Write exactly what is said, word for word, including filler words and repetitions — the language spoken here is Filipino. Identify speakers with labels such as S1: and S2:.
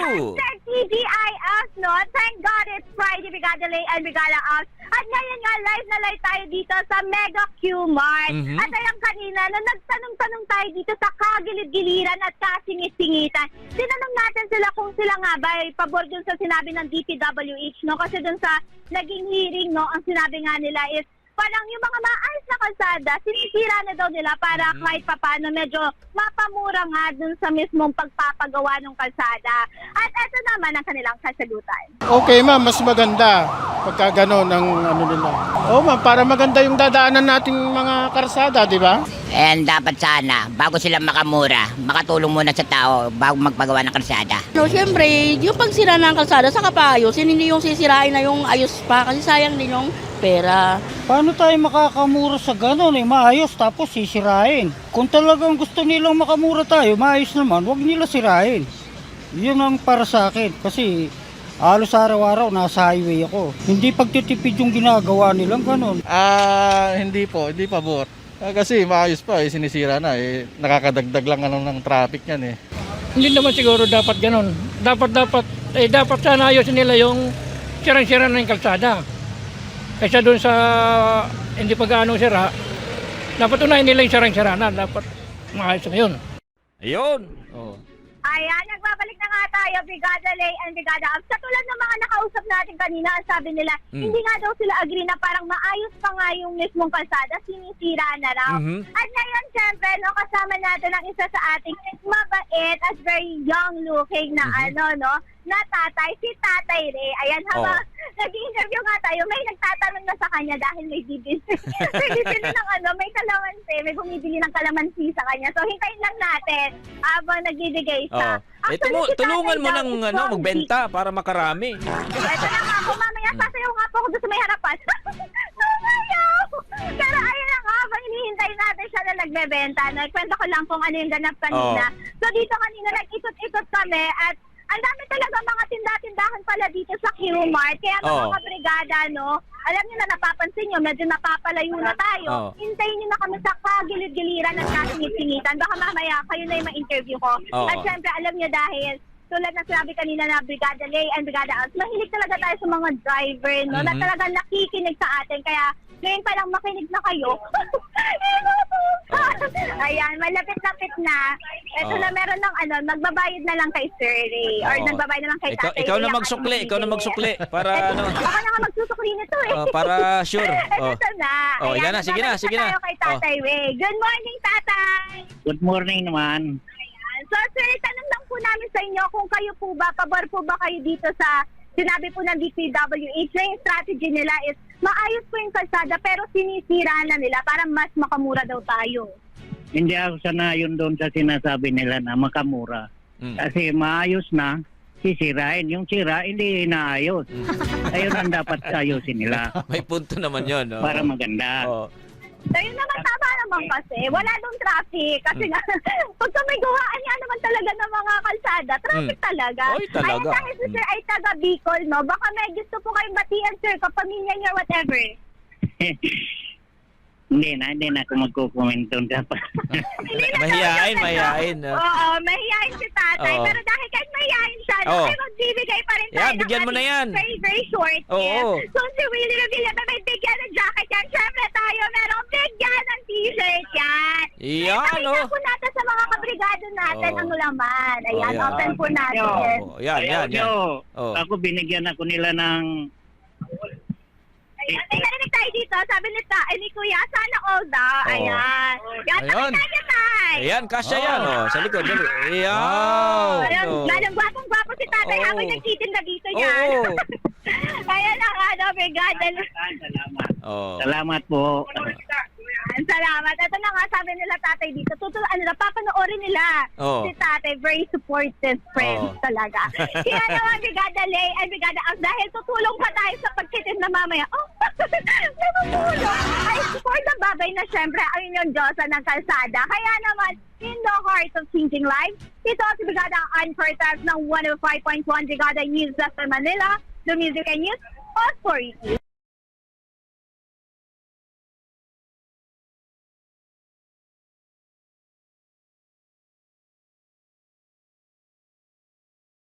S1: Hashtag T G I F, no? Thank God it's Friday, Brigada Lay and Brigada F. At ngayon nga, live na live tayo dito sa Mega Q-Mart.
S2: Mhm.
S1: At ayang kanina, na nagtanong-tanong tayo dito sa kagilid-giliran at kasingit-singitan. Tinanong natin sila kung sila nga ba ay pabor dun sa sinabi ng D P W H, no? Kasi dun sa naging hearing, no, ang sinabi nga nila is parang yung mga maayos na kalsada, sinisira na daw nila para
S2: Mhm.
S1: kahit papano medyo mapamura nga dun sa mismong pagpapagawa ng kalsada. At eto naman ang kanilang kasagutan.
S3: Okay ma'am, mas maganda pagka gano'n ang ano nila. Oo ma'am, para maganda yung dadaanan nating mga karsada, di ba?
S4: And dapat sana, bago sila makamura, makatulong muna sa tao bago magpagawa ng kalsada.
S5: No, siyempre, yung pagsira ng kalsada, saka pa ayusin, hindi yung sisirain na yung ayos pa, kasi sayang din yung pera.
S6: Paano tayo makakamura sa gano'n eh, maayos tapos sisirain? Kung talagang gusto nilang makamura tayo, maayos naman, huwag nila sirain. Yun ang para sa akin kasi halos araw-araw nasa highway ako. Hindi pagtitipid yung ginagawa nilang gano'n.
S2: Ah, hindi po, hindi pabor. Ah, kasi maayos pa, eh, sinisira na. Eh, nakakadagdag lang ano, ng traffic yan eh.
S7: Hindi naman siguro dapat ganun. Dapat, dapat, eh dapat sana ayusin nila yung sirang-sira na yung kalsada. Kaysa doon sa hindi pa gaano sira, dapat unahin nila yung sirang-sira na. Dapat maayos na yun.
S2: Ayun! Oh.
S1: Ayan, nagbabalik na nga tayo, Brigada Lay and Brigada Abs. Katulad ng mga nakausap natin kanina, ang sabi nila,
S2: Mm.
S1: hindi nga daw sila agree na parang maayos pa nga yung mismong kalsada, sinisira na raw.
S2: Mhm.
S1: At ngayon, syempre, no, kasama natin ang isa sa ating mabait at very young looking na
S2: Mhm.
S1: ano, no, na tatay, si Tatay Ray. Ayan, habang
S2: Oh.
S1: nag-i-interview nga tayo, may nagtatanong na sa kanya dahil may bibili. may bibili ng ano, may kalamansi, may bumibili ng kalamansi sa kanya. So, hintayin lang natin habang nagbibigay
S8: Oh.
S1: sa...
S8: Eh,
S1: Actually,
S8: tumu-
S1: si Tatay
S8: tulungan mo
S1: daw
S8: ng
S1: is
S8: ano,
S1: from
S8: magbenta para makarami.
S1: Ito na nga po, mamaya sasayaw nga po ako doon sa may harapan. Sumayaw! Pero ayun na nga, habang hinihintay natin siya na nagbebenta, nagkwento ko lang kung ano yung ganap kanina. So dito kanina, nag-ikot-ikot kami at ang dami talaga mga tinda-tindahan pala dito sa Q-Mart. Kaya mga
S8: Oh.
S1: kabrigada, no, alam niyo na napapansin niyo, medyo napapalayo na tayo.
S8: Oh.
S1: Hintayin niyo na kami sa kagilid-giliran at kasingit-singitan. Baka mamaya kayo na yung ma-interview ko.
S8: Oh.
S1: At syempre, alam niyo dahil tulad ng sinabi kanina na Brigada Lay and Brigada Abs, mahilig talaga tayo sa mga driver, no, na
S8: Mhm.
S1: talagang nakikinig sa atin. Kaya ngayon pa lang makinig na kayo. Ayan, malapit-lapit na. Ito
S8: Oh.
S1: na meron ng ano, magbabayad na lang kay Sir Ray. Or
S8: Oo.
S1: nagbabayad na lang kay
S8: Ikaw,
S1: Tatay
S8: ikaw
S1: Ray
S8: na
S1: ang
S8: magsukli,
S1: ating
S8: ikaw na
S1: bibili.
S8: magsukli para
S1: Eto,
S8: ano,
S1: Ako na nga magsusukli nito eh.
S8: oh, para sure. Oh.
S1: Ito na.
S8: Oh,
S1: Ayan,
S8: yan na, sige na,
S1: babalik
S8: sige na.
S1: tayo kay Tatay Ray. Good morning, Tatay!
S6: Good morning naman.
S1: Ayan. So, sir, tanong lang po namin sa inyo kung kayo po ba, pabor po ba kayo dito sa sinabi po ng D P W H na yung strategy nila is maayos po yung kalsada pero sinisira na nila para mas makamura daw tayo.
S6: Hindi ako sanayon doon sa sinasabi nila na makamura.
S8: Mm.
S6: Kasi maayos na, sisirain. Yung sira, hindi inaayos. Ayun ang dapat ayusin nila
S8: May punto naman 'yon, no?
S6: para maganda.
S8: Oh.
S1: So, yun naman tama naman kasi. Wala dong traffic. Kasi nga, pagka may gawaan nga naman talaga ng mga kalsada, traffic
S8: Mm.
S1: talaga.
S8: Oy, talaga.
S1: Ayun, dahil si sir ay taga Bicol, no? Baka may gusto po kayong batian, sir, kapamilya niyo or whatever.
S6: Hindi na, hindi na ako magkukomment doon.
S1: Hindi na
S8: Mahiyain,
S1: daw yun,
S8: mahiyain,
S1: ano?
S8: no?
S1: Oo, mahihain si tatay.
S8: Oo.
S1: Pero dahil kahit mahihain siya, no,
S8: Oo.
S1: ay magbibigay pa rin tayo
S8: Yeah,
S1: ng
S8: bigyan mo na
S1: ating
S8: yan.
S1: Very, very short
S8: Oo.
S1: gift. So, si Willie Revilla na may bigyan ng jacket yan. Siyempre tayo, merong bigyan ng t-shirt yan.
S8: Iyan,
S1: Pakita
S8: oh.
S1: po natin sa mga kabrigado natin
S8: Oo.
S1: ang laman. Ayan,
S8: Oh, yan.
S1: open po natin.
S8: Oh, yan, yan, yan.
S6: Yo,
S8: Oh.
S6: ako binigyan ako nila ng
S1: Ayan, may narinig tayo dito. Sabi ni, ta, eh, ni Kuya, sana all daw.
S8: Oo.
S1: Ayan. Yan,
S8: Ayun.
S1: pakita niya tayo.
S8: Ayan, kasya yan, oh. Sa likod, dali. Ayan.
S1: Ayun,
S8: Oh.
S1: lalong gwapong-gwapo si tatay
S8: Oo.
S1: habang nagtitinda dito yan.
S8: Oo.
S1: Kaya lang, ano, brigada.
S6: Salamat.
S8: Oh.
S6: Salamat po.
S1: Salamat. Ito na nga, sabi nila tatay dito. Tutul ano na, papanoorin nila.
S8: Oo.
S1: Si tatay, very supportive friends
S8: Oo.
S1: talaga. Kaya naman, Brigada Lay and Brigada Abs, dahil tutulong pa tayo sa pagtitin na mamaya. Oh, natutulong. Ay, support na babay na syempre ang inyong Diyosa ng kalsada. Kaya naman, in the heart of changing lives, ito si Brigada Anchor Tabs ng one oh five point one Brigada News sa Manila, the music and news authority.